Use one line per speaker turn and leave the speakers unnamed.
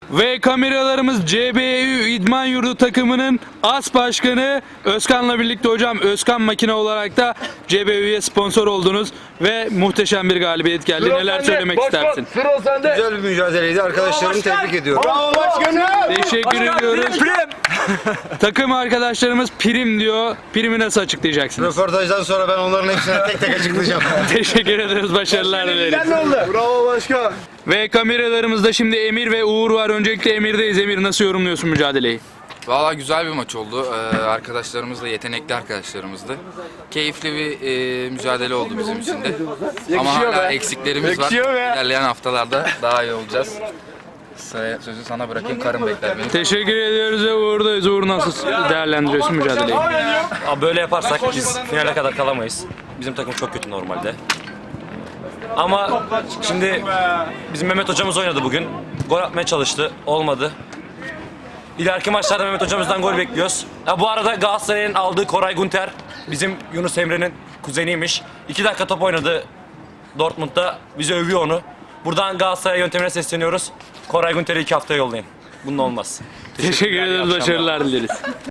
Ve kameralarımız CBU İdman Yurdu takımının as başkanı Özkan'la birlikte hocam. Özkan Makine olarak da CBU'ya sponsor oldunuz ve muhteşem bir galibiyet geldi. Neler söylemek istersin?
Güzel bir mücadeleydi. Arkadaşlarımı tebrik ediyorum.
Bravo başkanım.
Teşekkür ediyoruz. Takım arkadaşlarımız prim diyor. Primi nasıl açıklayacaksınız?
Röportajdan sonra ben onların hepsine tek tek açıklayacağım.
Teşekkür ederiz. Başarılar dileriz.
Ne oldu? Bravo başkan.
Ve kameralarımızda şimdi Emir ve Uğur var. Öncelikle Emir'deyiz. Emir, nasıl yorumluyorsun mücadeleyi?
Valla güzel bir maç oldu. Arkadaşlarımız da yetenekli arkadaşlarımızdı. Keyifli bir mücadele oldu bizim için de. Ama hala eksiklerimiz var. İlerleyen haftalarda daha iyi olacağız. Sözü sana bırakayım, karım bekler beni.
Teşekkür ediyoruz ve Uğur'dayız. Uğur, nasıl değerlendiriyorsun mücadeleyi?
Abi böyle yaparsak biz finale kadar kalamayız. Bizim takım çok kötü normalde. Ama şimdi bizim Mehmet hocamız oynadı bugün. Gol atmaya çalıştı. Olmadı. İleriki maçlarda Mehmet hocamızdan gol bekliyoruz. Bu arada Galatasaray'ın aldığı Koray Gunter bizim Yunus Emre'nin kuzeniymiş. 2 dakika top oynadı Dortmund'da. Bizi övüyor onu. Buradan Galatasaray yöntemine sesleniyoruz. Koray Gunter'i 2 haftaya yollayın. Bunun olmaz.
Teşekkür ederiz. Başarılar dileriz.